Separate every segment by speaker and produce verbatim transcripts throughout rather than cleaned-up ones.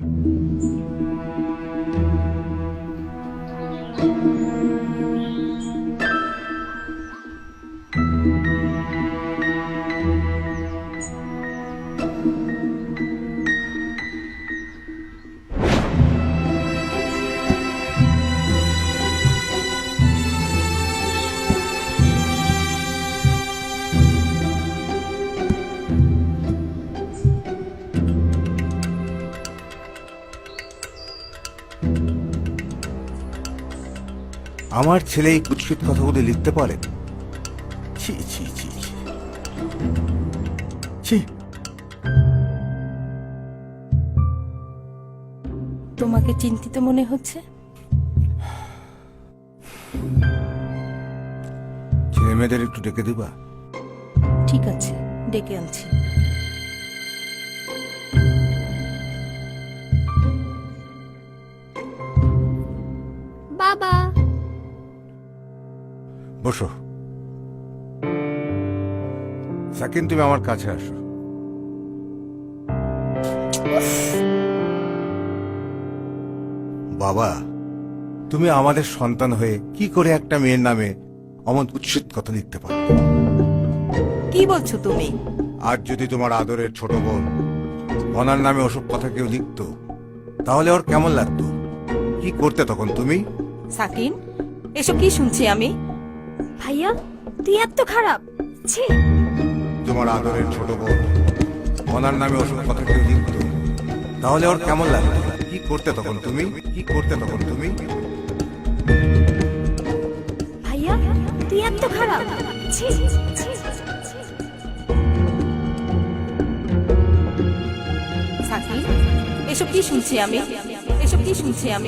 Speaker 1: আমার ছেলে এই কুৎসিত কথাগুলি লিখতে পারে? ছি ছি ছি ছি।
Speaker 2: তোমাকে চিন্তিত মনে হচ্ছে?
Speaker 1: ছেলে মেয়েদের একটু ডেকে দিবা?
Speaker 2: ঠিক আছে, ডেকে আনছি।
Speaker 3: বাবা,
Speaker 1: বসো। সাকিন, তুমি আমার কাছে আসো। বাবা, তুমি আমাদের সন্তান হয়ে কি করে একটা মেয়ের নামে অমন কুৎসিত কথা লিখতে পারো?
Speaker 2: কি বলছো তুমি?
Speaker 1: আজ যদি তোমার আদরের ছোট বোন অনার নামে ওসব কথা কেউ লিখত, তাহলে ওর কেমন লাগতো? কি করতে তখন তুমি?
Speaker 2: সাকিন, এসব কি শুনছি আমি?
Speaker 3: ভাইয়া তুই এত খারাপ? ছি।
Speaker 1: তোমার আদরের ছোট বোন অনার নামে ওসব কথা কেউ লিখত, তাহলে ওর কেমন লাগতো? কি করতে তখন তুমি? কি করতে তখন তুমি?
Speaker 3: ভাইয়া তুই এত খারাপ? ছি।
Speaker 2: সাকিন, এসব কি শুনছি আমি? এসব কি শুনছি আমি?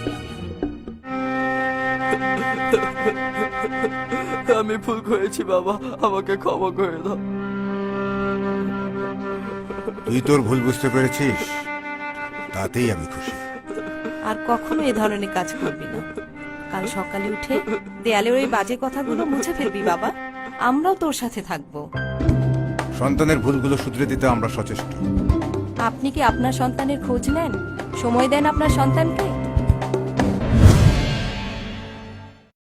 Speaker 4: আমি ভুল করেছি বাবা, আমাকে ক্ষমা করে দাও।
Speaker 1: তুই তোর ভুল বুঝতে পেরেছিস, তাতেই আমি খুশি।
Speaker 2: আর কখনো এ ধরনের কাজ করবি না। কাল সকালে উঠে দেয়ালের ওই বাজে কথাগুলো মুছে ফেলবি বাবা। আমরাও তোর সাথে থাকবো।
Speaker 1: সন্তানের ভুলগুলো শুধরে দিতে আমরা সচেষ্ট।
Speaker 2: আপনি কি আপনার সন্তানের খোঁজ নেন? সময় দেন আপনার সন্তানকে?